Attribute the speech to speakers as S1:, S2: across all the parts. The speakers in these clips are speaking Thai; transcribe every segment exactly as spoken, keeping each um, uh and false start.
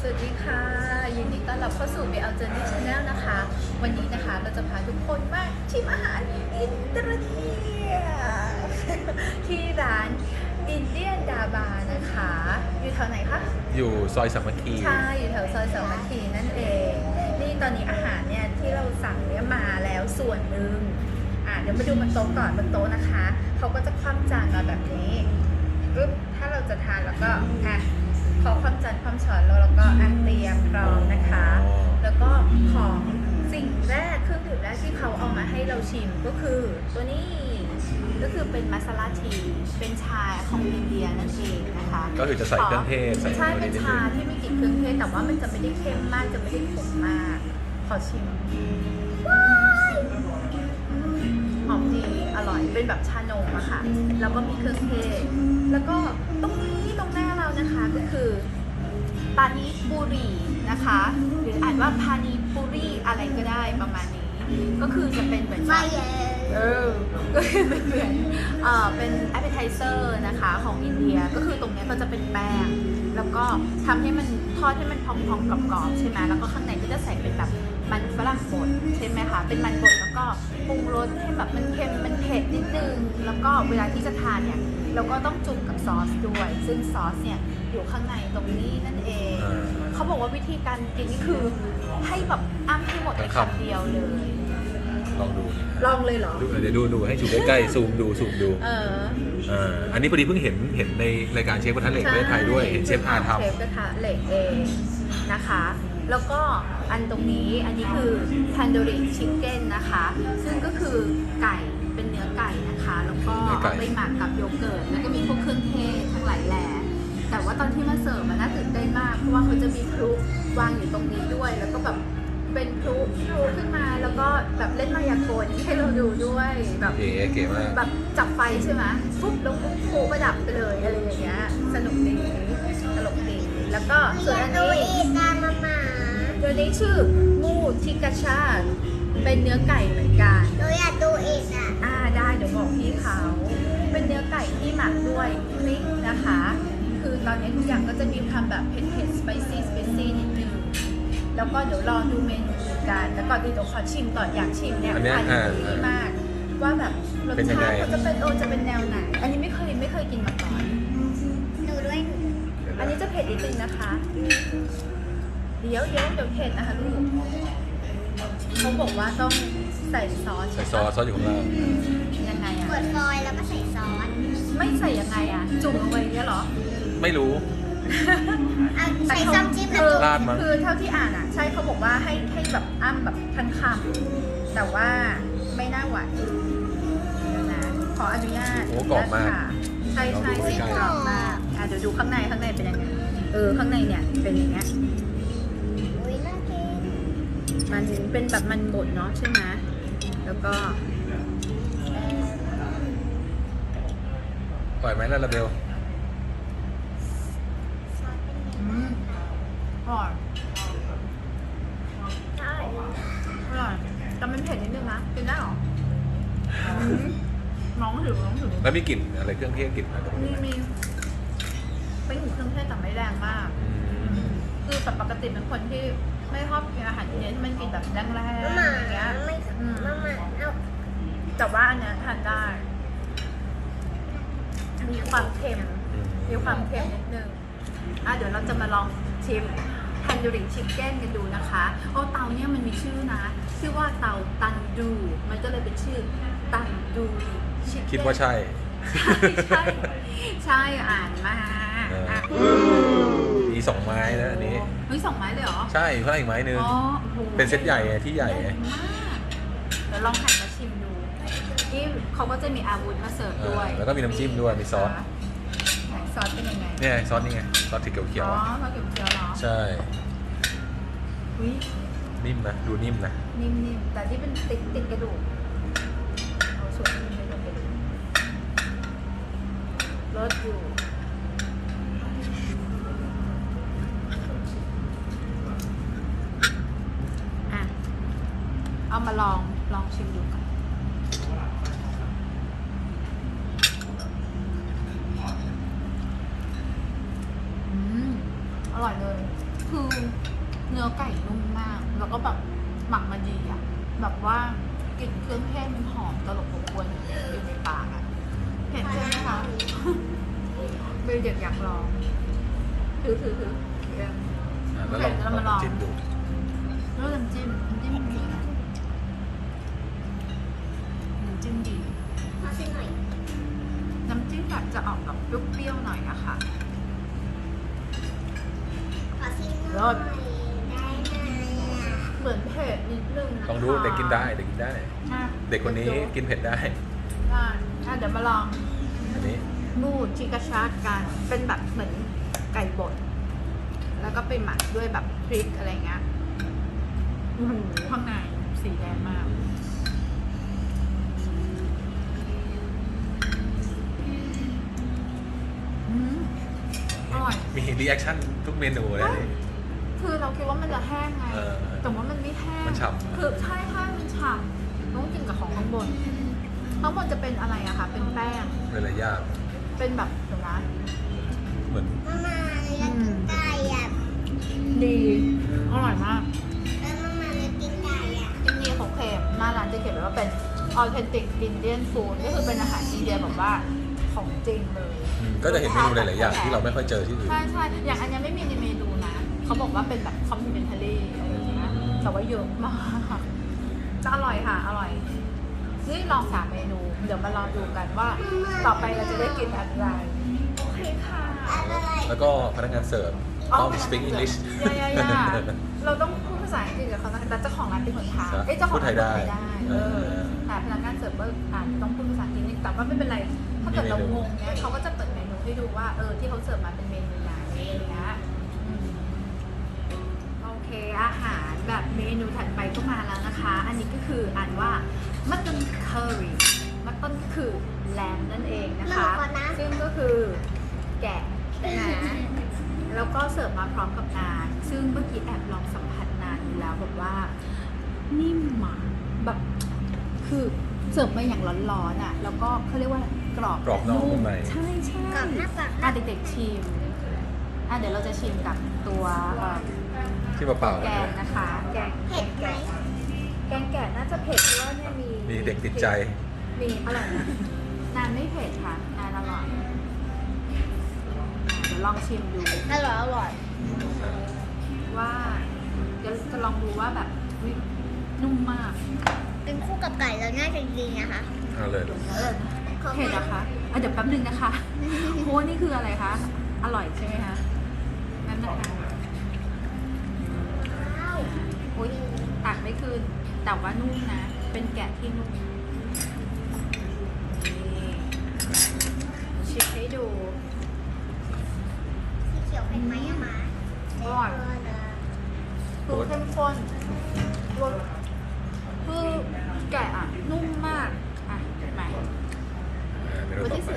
S1: สวัสดีค่ะยินดีต้อนรับเข้าสู่ บี แอล Journey Channel นะคะวันนี้นะคะเราจะพาทุกคนมาชิมอาหารอินเตอร์เนียที่ร้านอินเดียนดาบานะคะอยู่แถวไหนคะ
S2: อยู่ซอยสามัคคี
S1: ใช่อยู่แถวซอยสามัคคีนั่นเองนี่ตอนนี้อาหารเนี่ยที่เราสั่งเนี่ยมาแล้วส่วนหนึ่งอ่ะเดี๋ยวมาดูบนโต๊ะก่อนบนโต๊ะนะคะเขาก็จะคว่ำจานมาแบบนี้ปึ๊บถ้าเราจะทานแล้วก็อ่ะขอความจานความช้อนแล้วเราก็อ่ะเตรียมพร้อมนะคะแล้วก็ของสิ่งแรกเครื่องดื่มแรกที่เขาเอามาให้เราชิมก็คือตัวนี้ก็คือเป็นมัสลาทีเป็นชาของอินเดียนั่นเองนะคะ
S2: ก็คือจะใส่เครื่องเทศ
S1: ใช่เป็นชาที่ไม่กลิ่นเครื่องเทศแต่ว่ามันจะไม่ได้เค็มมากจะไม่ได้ขมมากขอชิมหอมดีอร่อยเป็นแบบชานมอะค่ะแล้วก็มีเครื่องเทศแล้วก็ตรงนี้ตรงหน้าเรานะคะก็คือปานิปุรีนะคะหรืออ่านว่าพานิปุรีอะไรก็ได้ประมาณนี้ก็คือจะเป็นเหมือนเออก็คือเป็นเหมือนเอ่อเป็น appetizer นะคะของอินเดียก็คือตรงนี้ก็จะเป็นแป้งแล้วก็ทำให้มันทอดให้มันพองๆกรอบๆใช่ไหมแล้วก็ข้างในก็จะใส่เป็นแบบมันฝรั่งบดใช่ไหมคะเป็นมันบดแล้วก็ปรุงรสให้แบบมันเค็มมันเผ็ดนิดนึงแล้วก็เวลาที่จะทานเนี่ยเราก็ต้องจุ่มกับซอสด้วยซึ่งซอสเนี่ยอยู่ข้างในตรงนี้นั่นเองเขาบอกว่าวิธีการกินนี่คือให้แบบอ้ำให้หมดในคำเดียวเลย
S2: ลองดู
S1: ลองเลยเหรอ
S2: ดูเดี๋ยวดูดูให้ชูใกล้ๆซูมดูซูมดูเอออ่าอันนี้พอดีเพิ่งเห็นเห็นในรายการเชฟกระทะเหล็กประเทศไทยด้วยเห็นเชฟอาทำ
S1: เชฟกระทะเหล็กเองนะคะแล้วก็อันตรงนี้อันนี้คือ tandoori chicken นะคะซึ่งก็คือไก่เป็นเนื้อไก่นะคะแล้วก็เอาไปหมักกับโยเกิร์ตแล้วก็มีพวกเครื่องเทศทั้งหลายแหล่แต่ว่าตอนที่มาเสิร์ฟมันน่าตื่นเต้นมากเพราะว่าเขาจะมีพลุวางอยู่ตรงนี้ด้วยแล้วก็แบบเป็นพลุพลุขึ้นมาแล้วก็แบบเล่นมายากลให้เราดูด้วยแบบ
S2: เก๋เก๋มาก
S1: แบบจับไฟใช่ไหมปุ๊บแล้วปุ๊บพลุประดับไปเลยอะไรอย่างเงี้ยสนุกดีตลกดีแล้วก็ส่วนอันนี้ตัวนี้ชื่อมูทิกาชาเป็นเนื้อไก่เหมือนกัน
S3: หนูอยากดูอีกอ่ะ
S1: อ่าได้เดี๋ยวบอกพี่เขาเป็นเนื้อไก่ที่หมักด้วยพริกนะคะคือตอนนี้ทุกอย่างก็จะมีความแบบเผ็ดเผ็ดสไปซี่สไปซี่นิดนึงแล้วก็เดี๋ยวรอดูเมนูกันแล้วก่อนอื่นเดี๋ยวขอชิมก่อนอยากชิมเนี่ยทานดีมากว่าแบบรสชาติเขาจะเป็นโอจะเป็นแนวไหนอันนี้ไม่เคยไม่เคยกินมาก่อน
S3: หนูด้วย
S1: อันนี้จะเผ็ดนิดนึงนะคะเดี๋ยวเดี๋ยวเดี๋ยวเผ็ดนะคะลูกเขาบอกว่าต้องใส่ซอส
S2: ใส่ซอสซอสอยู่ข้างล่าง
S1: ยังไงอ่ะ
S3: เปิดฟอยล์แล้วก็ใส่ซอส
S1: ไม่ใส่ยังไงอ่ะจุ่มลงไปเนี่ยเหรอ
S2: ไม่รู้
S3: ใส่ซ้ำจิ้มแล้วจุ่ม
S1: คือเท่าที่อ่านอ่ะใช่เขาบอกว่าให้ให้แบบอ้ำแบบทั้งคำแต่ว่าไม่น่าหวานนะขออนุญาต
S2: โอ้กรอบมาก
S1: ใช่ใช่สีกรอบมากอ่ะเดี๋ยวดูข้างในข้างในเป็นยังไงเออข้างในเนี่ยเป็นอย่างเงี้ยมันเป็นแบบมันบดเนาะใช่ไหมแล้วก็
S2: ปล่อยไหมล่ะลาเบล
S1: อืมอร่อยใช่อร่อยแต่มันเผ็ดนิดนึงนะกินได้หรอน้องถือน้องถือ
S2: แล้วมีกลิ่นอะไรเครื่องเทศกลิ่นอะไร
S1: มีมีเป็นเครื่องเทศแต่ไม่แรงมากคือแบบปกติเป็นคนที่ไม่ชอบกินอาหารอินเดียที่มันกินแบบแรงๆอย่างเงี้ย
S3: ไม่มามาเอา
S1: แต่ว่าอันเนี้ยทานได้มีความเค็มมีความเค็มนิดนึงอ่ะเดี๋ยวเราจะมาลองชิมทันดูริชิคเก้นกันดูนะคะโอ้เตาเนี่ยมันมีชื่อนะชื่อว่าเตาตันดูมันก็เลยเป็นชื่อตันดูชิคเก้น
S2: คิดว่าใช่
S1: ใช่ใช่อ่านมา
S2: มีสองไม้นะอันนี้
S1: เฮ้ยสองไม้เลยเหรอ
S2: ใช่เพิ่มอีกไม้นึงเป็นเซตใหญ่ที่ใหญ่เ
S1: ดี๋ยวลองหันมาชิมดูที่เขาก็จะมีอาวุธมาเสิร์ฟด้วย
S2: แล้วก็มีน้ำจิ้มด้วยมีซอส
S1: ซอสเป็นยังไง
S2: เนี่ยซอสนี่ไงซอสสีเขียว
S1: ๆอ๋อซอสเขียวๆเหรอ
S2: ใช่นิ่มนะดูนิ่มนะ
S1: นิ่มๆแต่ที่เป็นติดติดกระดูกเอาส่วนนี้ไม่ต้องเป็นรสอยู่อ่ะเอามาลองลองชิมดูกันอร่อยเลยคือเนื้อไก่นุ่มมาก แล้วก็แบบหมักมาดีอ่ะ แบบว่ากลิ่นเครื่องเทศมันหอมตลบอบอวนอยู่ในปากอ่ะเผ็ดใช่ไหมคะเบลเด็กอยากลองถือถือถือ
S2: อ่ะแล้วลอง
S1: เรามาลอง
S2: จิ้มดู
S1: แล้วน้ำจิ้มน้ำจิ้มดีนะน้ำจิ้มดี
S3: ขอชิมหน่อย
S1: น้ำจิ้มแบบจะออกแบบเปรี้ยวๆหน่อยนะคะ
S3: ขอชิมห
S1: ร
S3: น่อ
S1: ส
S3: ยได้ไหมอ่ะ
S1: เหมือนเผ็ดนิดนึงนะคะ
S2: ลองดูเด็กกินได้เด็กกินได้
S1: อ่ะ
S2: เด็กคนนี้กินเผ็ดได้
S1: ได้อ่ะเดี๋ยวมาลอง
S2: อันนี้
S1: มูชิกาชาร์กัน เป็นแบบเหมือนไก่บด แล้วก็ไปหมักด้วยแบบพริกอะไรเงี้ยโอ้โหข้างในสีแดงมาก อืมอร่อย
S2: มีรีแอคชั่นทุกเมนูเลยนี่
S1: คือเราคิดว่ามันจะแห้งไง
S2: เออ
S1: แต่ว่ามันไม่แห้ง
S2: มันฉ่ำ
S1: คือใช่ใช่มันฉ่ำต้องกินกับของข้างบน ข้างบนจะเป็นอะไรอะคะ เป็นแป้ง
S2: เลยละยาก
S1: เป็นแบบเดี๋ยวนะ
S2: เหมือน
S3: มามาเลยอยากกินไก่อ่ะ
S1: ดี อร่อยมาก
S3: แล้วมามาเลยกินไก่อ่ะ
S1: จริงๆของเค็มหน้าร้านจะเขียนไว้ว่าเป็น authentic Indian food ก็คือเป็นอาหารอินเดียแบบว่าของจริงเลย
S2: อืมก็จะเห็นเมนูหลายๆอย่างที่เราไม่ค่อยเจอที่อื่น
S1: ใช่ใช่อย่างอันเนี้ยไม่มีในเมนูนะ เขาบอกว่าเป็นแบบ complimentary อะไรอย่างเงี้ย แต่ว่าเยอะมากจะอร่อยค่ะ อร่อย นี่ลองสามเมนู เดี๋ยวมาลองดูกันว่า ต่อไปเราจะได้กินอะไร โอเคค่ะ
S3: อะไร
S2: แล้วก็พนักงานเสิร์ฟต้อง speak English
S1: ยายายาเราต้องพูดภาษาอังกฤษกับเขานะแต่เจ้าของร้านเป็นคนไทย
S2: ครับ
S1: เอ้ยเจ้าของร้าน
S2: พูดไทยได้
S1: พูดไทยได้ เออ
S2: เออ
S1: แต่พนักงานเสิร์ฟก็อาจจะต้องพูดภาษาอังกฤษนิดแต่ว่าไม่เป็นไร ถ้าเกิดเรางงเนี้ยเขาก็จะเปิดเมนูให้ดูว่า เออ ที่เขาเสิร์ฟมาเป็นเมนูไหนอะไรอย่างเงี้ยอืมโอเค อาหารแบบเมนูถัดไปก็มาแล้วนะคะ อันนี้ก็คืออ่านว่ามัตตันเคอรี่มัตตันก็คือแลมนั่นเองนะคะ ซึ่งก็คือแกะนะแล้วก็เสิร์ฟมาพร้อมกับนานซึ่งเมื่อกี้แอบลองสัมผัสนานอยู่แล้วแบบว่า นิ่มมากแบบคือเสิร์ฟมาอย่างร้อนๆอ่ะ แล้วก็เขาเรียกว่ากรอบ
S2: กรอบนอกนุ่มใน
S1: ใช่ใช่
S3: กับหน้าปาก
S1: อ่ะเด็กๆชิมอ่ะเดี๋ยวเราจะชิมกับตัวเอ่อ
S2: ที่เปล่าๆ
S1: แก
S2: นะ
S1: งนะคะ แกง
S3: เผ็ดไหม
S1: แกงแกะน่าจะเผ็ดเพราะว่าเนี่ยมี
S2: มีเด็กติดใจ
S1: มีอร่อยนะนานไม่เผ็ดค่ะนานอร่อยเดี๋ยวลองชิมดู
S3: อร่อยอร่อย
S1: ว่าเดี๋ยวจะลองดูว่าแบบอุ๊ยนุ่มมาก
S3: เป็นคู่กับไก่แล้วน่าจะดีนะคะ
S2: เอาเลย
S1: เออเผ็ดนะคะอ่ะเดี๋ยวแป๊บนึงนะคะโอ้นี่คืออะไรคะ อร่อยใช่ไหมคะนั่นนะคะอุ้ยตักไม่คืนแต่ว่านุ่มนะ เป็นแกะที่นุ่มนี่ชิมให้ดู
S3: สีเขียวเป็นไหมอะมา
S1: อร่อย คือเข้มข้นรสคือแกะอ่ะ นุ่มมาก อ่ะใหม่
S2: อ่าเมนูต่อไป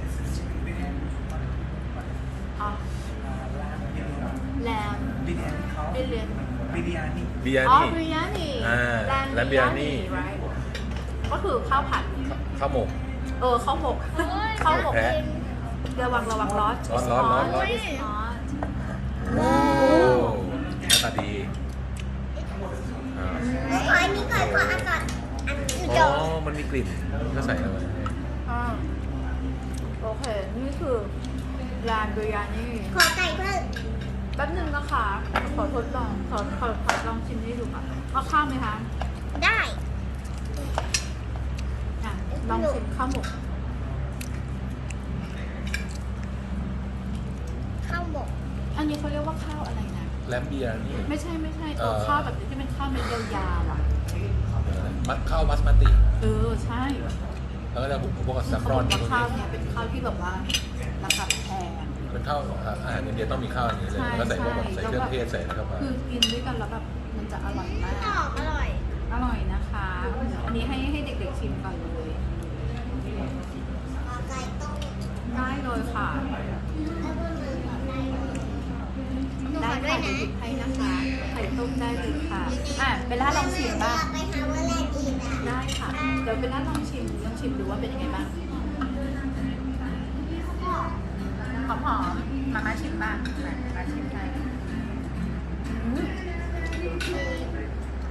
S1: อ๋อแลมบิเลียน
S2: บิริยา
S1: อ๋อ
S2: นี่
S1: บิริยานี
S2: อ่าแลมบิริยานี่
S1: right ก็คือข้าวผัด
S2: ข้าวหมก
S1: เออข้าวหมกข้าวหมก
S2: แพะ
S1: ระวังระวังร้อน
S2: ร้อนร้อนร้อนร้อน
S1: ร้อน
S2: โอ้หน้าตาดีอ่า
S3: ขออันนี้ก่อนขออันก่อนอันนี้
S2: อ๋
S3: เดี๋ยว
S2: อ มันมีกลิ่นก็ใส่เข้าไป
S1: อ่าโอเค นี่คือร้านบิริยานี
S3: ขอไก่เพิ่ม
S1: แป๊บนึงนะคะ ขอทดลอง ขอขอขอลองชิมให้ดูค่ะเอาข้าวไหมคะ
S3: ได้
S1: อ่ะ ลองชิมข้าวหมก
S3: ข้าวหมก
S1: อันนี้เขาเรียกว่าข้าวอะไรนะ
S2: แลมเบียนี่
S1: ไม่ใช่ไม่ใช่
S2: เอ่
S1: ตัว
S2: อ
S1: ข้าวแบบนี้ที่เป็นข้าวเม็ดยาวๆอ่ะ
S2: มัดข้าวมัสมาติ
S1: เออ ใช่
S2: แล้วก็จะพวกกับ
S1: เขา
S2: ซัฟ
S1: บ
S2: ร
S1: อ
S2: อน
S1: กว่า
S2: พวก
S1: ข้าว
S2: นี้
S1: เนี้ยเป็นข้าวที่แบบว่าราคาแพง
S2: เป็นข้าวอาหารอินเดียต้องมีข้าวอันนี้เลย
S1: ใช่
S2: แล้วก็ใส่พวกแบบ
S1: ใช่
S2: ใส่เครื่องเทศใส่อะไรเข้ามา
S1: คือกินด้วยกันแล้วแบบมันจะอร่อยมาก
S3: กรอบอร่อย
S1: อร่อยนะคะ อันนี้ให้ให้เด็กๆชิมก่อนเลย
S3: ขอไก่ต้ม
S1: ได้เลยค่ะ
S3: แล้วก็มือขอไก่หนู
S1: ได้
S3: ขอด้วย
S1: ค่ะ
S3: นะ
S1: เดี๋ยวหยิบให้นะคะ ไข่ต้มได้เลยค่ะ อ่ะเป็นร้านลองชิมบ้าง
S3: ไปหาว่าแรกอีกอ่ะ
S1: ได้ค่ะ เดี๋ยวเป็นร้านลองชิมลองชิมดูว่าเป็นยังไงบ้าง หอมหอมๆมาม่าชิมบ้างมามาชิมได้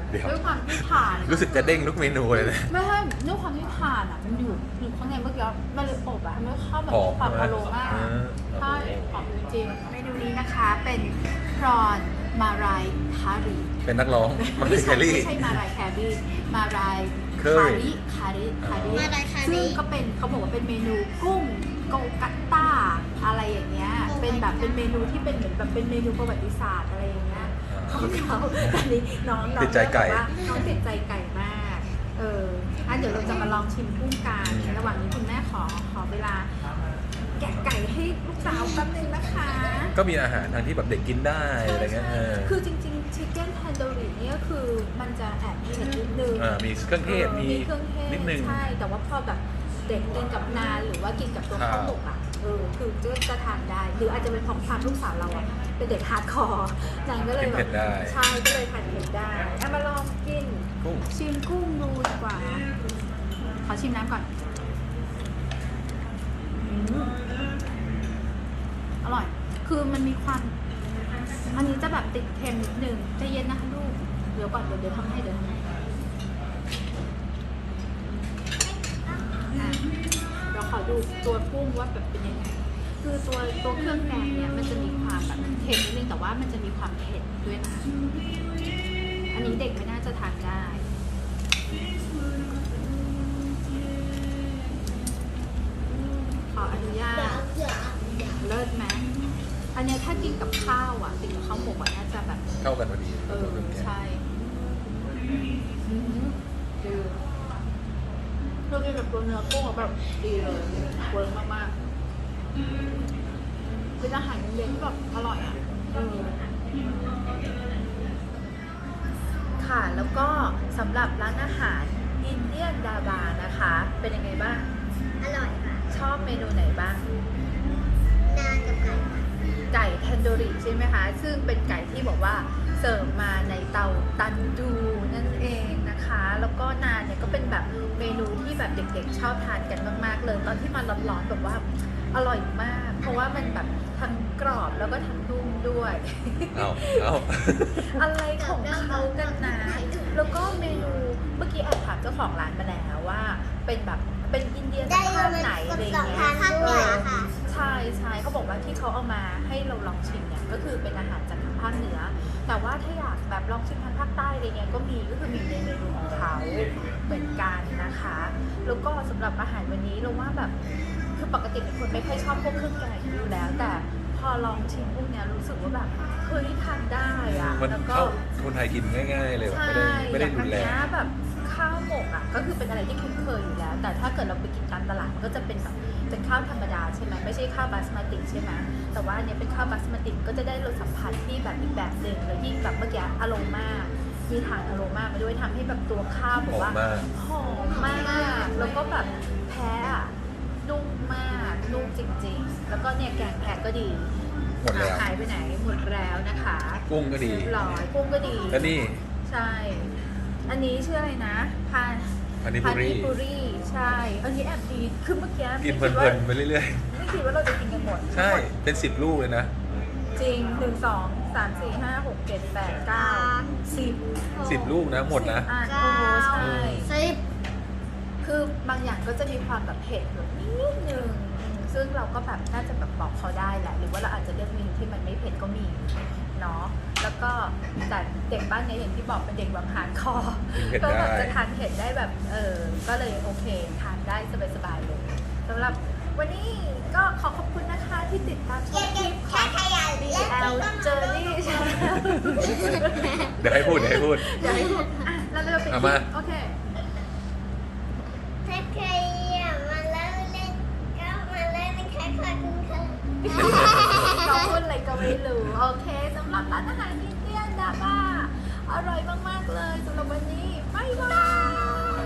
S2: เดี๋ยว
S1: ด้วยความที่ทาน
S2: รู้สึกจะเด้งทุกเมนูเลยนะ
S1: ไม่ใช่ด้วยความที่ทานอ่ะมันอยู่อยู่ข้างในเมื่อกี้มันเลยอบอ่ะมันเข้าแบบ
S2: หอม
S1: ความ
S2: ใช่
S1: อ
S2: ไหม
S1: โรมา
S2: เออ
S1: ใช่หอมจริงๆเมนูนี้นะคะเป็นพรอนมารายคารี
S2: เป็นนักร้องมัน
S1: ไม่
S2: เป็นแค
S1: ใช่
S2: ลรี่
S1: ไม่ใช่มารายแครีมาราย
S2: Curry
S1: คาริคาริคาริ
S3: มารายคาริ
S1: ซึ่งก็เป็นเขาบอกว่าเป็นเมนูกุ้งโกกัตต้าอะไรอย่างเงี้ยเป็นแบบเป็นเมนูที่เป็นเหมือนแบบเป็นเมนูประวัติศาสตร์อะไรอย่างเงี้ยของเขาตอนนี้น้องน้อง
S2: ติดใจไก่
S1: บอกว่าน้องติดใจไก่มากเอออ่ะเดี๋ยวเราจะมาลองชิมกุ้งกันระหว่างนี้คุณแม่ขอขอเวลาแกะไก่ให้ลูกสาวแป๊บนึงนะคะ
S2: ก็มีอาหารทางที่แบบเด็กกินได้อะไรเงี้ยเออ
S1: คือจริงๆชิคเก้นแทนโดริเนี่ยคือมันจะแอบเผ็ดนิดนึง
S2: อ่ามีเครื่องเทศ
S1: ออ
S2: มี
S1: เครื่องเทศ
S2: นิดนึง
S1: ใช่ แต่ว่าพอแบบเด็กกินกับนานหรือว่ากินกับตัว
S2: ครับ
S1: ข้าวหมกอ่ะเออคือจะจะทานได้ หรืออาจจะเป็นของความลูกสาวเราอ่ะเป็นเด็กฮาร์ดคอร์นางก็เลย
S2: กิน
S1: แบ
S2: เผ็
S1: บ
S2: ดได้
S1: ใช่ก็เลยทานเผ็ดได้เอามาลองกิน
S2: กุ้ง
S1: ชิมกุ้งดูดีกว่า ขอชิมน้ำก่อนอืมอร่อย คือมันมีความ อันนี้จะแบบติดเค็มนิดนึงใจเย็นนะคะลูก เดี๋ยวก่อนเดี๋ยวเดี๋ยวทำให้เดี๋ยวทำให้อ่ะเดี๋ยวขอดูตัวกุ้งว่าแบบเป็นยังไง คือตัวตัวเครื่องแกงเนี่ยมันจะมีความแบบเค็มนิดนึงแต่ว่ามันจะมีความเผ็ดด้วยนะ อันนี้เด็กไม่น่าจะทานได้ ขออนุญาต เลิศไหมอันเนี้ยถ้ากินกับข้าวอ่ะกินกับข้าวหมกอ่ะน่าจะแบบ
S2: เข้ากันพอดี
S1: เออ ใช่อือหือดีเรากินกับตัวเนื้อกุ้งอะแบบดีเลยเวิร์กมากๆเป็นอาหารเย็นๆที่แบบอร่อยอ่ะเออค่ะแล้วก็สำหรับร้านอาหารอินเดียนดาบานะคะ เป็นยังไงบ้าง
S3: อร่อยค่ะ
S1: ชอบเมนูไหนบ้าง
S3: นานกับไก่ค่ะ
S1: ไก่เทนโดริใช่ไหมคะ ซึ่งเป็นไก่ที่บอกว่าเสิร์ฟมาในเตาตันดูนั่นเองนะคะ แล้วก็นานเนี่ยก็เป็นแบบเมนูที่แบบเด็กๆชอบทานกันมากๆเลย ตอนที่มันร้อนๆแบบว่าอร่อยมาก เพราะว่ามันแบบทั้งกรอบแล้วก็ทั้งนุ่มด้วย
S2: เอาเอา
S1: อะไรของเขากันนะ แล้วก็เมนูเมื่อกี้แอบถามเจ้าของร้านมาแล้วว่าเป็นแบบเป็นอินเดีย
S3: ได้
S1: ภาค
S3: เลย
S1: ไหนอะไร
S3: สอง
S1: เงี้
S3: ทาย นข้างเหนือค่ะ
S1: ใช่ใช่เขาบอกว่าที่เขาเอามาให้เราลองชิมเนี่ยก็คือเป็นอาหารจากทางภาคเหนือ แต่ว่าถ้าอยากแบบลองชิมทางภาคใต้อะไรเงี้ยก็มีก็คือมีในเมนูของเขาเหมือนกันนะคะ แล้วก็สำหรับอาหารวันนี้เราว่าแบบคือปกติเป็นคนไม่ค่อยชอบพวกเครื่องแกงอยู่แล้ว แต่พอลองชิมพวกเนี้ยรู้สึกว่าแบบเฮ้ยทานได้อะ
S2: มัน
S1: แล้วก็
S2: เข้าคนไทยกินง่ายๆเลยแบบ
S1: ใช่
S2: ไม่ได้ไม่ได้
S1: อย่าง
S2: รุ
S1: อัน
S2: นแร
S1: เนี้
S2: ง
S1: ยแบบข้าวหมกอ่ะก็คือเป็นอะไรที่คุ้นเคยอยู่แล้ว แต่ถ้าเกิดเราไปกินตามตลาดมันก็จะเป็นแบบเป็นข้าวธรรมดาใช่ไหมไม่ใช่ข้าวบาสมาติใช่ไหมแต่ว่าอันเนี้ยเป็นข้าวบาสมาติก็จะได้รสสัมผัสที่แบบอีกแบบหนึ่งแล้วยิ่งแบบเมื่อกี้อโรมามีทางอโรมามาด้วยทำให้แบบตัวข้าวแบบว่า
S2: หอมมาก
S1: หอมมากแล้วก็แบบแพ้อะนุ่มมากนุ่มจริงๆ แล้วก็เนี่ยแกงแพะก็ดี
S2: หมดแล้ว
S1: หายไปไหนหมดแล้วนะคะ
S2: กุ้งก็ดี
S1: เรียบร้อยกุ้งก็ดี
S2: แล้วนี่
S1: ใช่ อันนี้ชื่ออะไรนะพาน
S2: พานิ
S1: พา
S2: ปุรี
S1: นิปุรีใช่อันนี้แอบดีคือเมื่อกี้
S2: กินเพ
S1: ไม่คิด
S2: ลิ
S1: ว่าน
S2: ๆไปเรื่อย
S1: ไม่คิดว่าเราจะกินกันหมด
S2: ๆ ใช่ เป็นสิบลูกเลยนะ
S1: จริงหนึ่งสองสามสี่ห้าหกเจ็ดแปดเก้าสิบ
S2: สิบลูกนะหมดนะ
S1: สิบอันโอ้โหใช่
S3: สิบ
S1: คือบางอย่างก็จะมีความแบบเผ็ดแบบนิดนึงอืมซึ่งเราก็แบบน่าจะแบบบอกเขาได้แหละ หรือว่าเราอาจจะเลือกเมนูที่มันไม่เผ็ดก็มีเนาะ แล้วก็แต่เด็กบ้านเนี้อย่างที่บอกเป็นเด็กแบบฮาร์ดคอร์
S2: กินเผ็ด
S1: ก็แบบ
S2: ได้
S1: จะทานเผ็ดได้แบบเออ ก็เลยโอเคทานได้สบายๆเลยสำหรับวันนี้ก็ขอขอบคุณนะคะที่ติดตามช
S3: เก็
S1: ม
S3: บ
S1: ค
S3: เก็
S1: ลิ
S3: บ
S1: ปข
S3: แค่
S1: อง
S3: ขยะ
S1: B
S3: และ
S1: L Journey Channel
S2: เดี๋ยวให้พูดเดี๋ยวให้พูด
S1: เดี๋ยวให้พูดอ่ะแล้วเราไป
S2: เอา
S1: คิ
S2: มา
S1: ดโอเค
S3: ถ้าใครอยากมาเล่าเล่นก็มาเล่นนะคะขอบคุณค่ะ
S1: น้องพูดอะไรก็ไม่รู้ โอเคสำหรับร้านอาหารอินเดียนดาบ้าอร่อยมาก ๆ เลยสำหรับวันนี้ บ๊ายบาย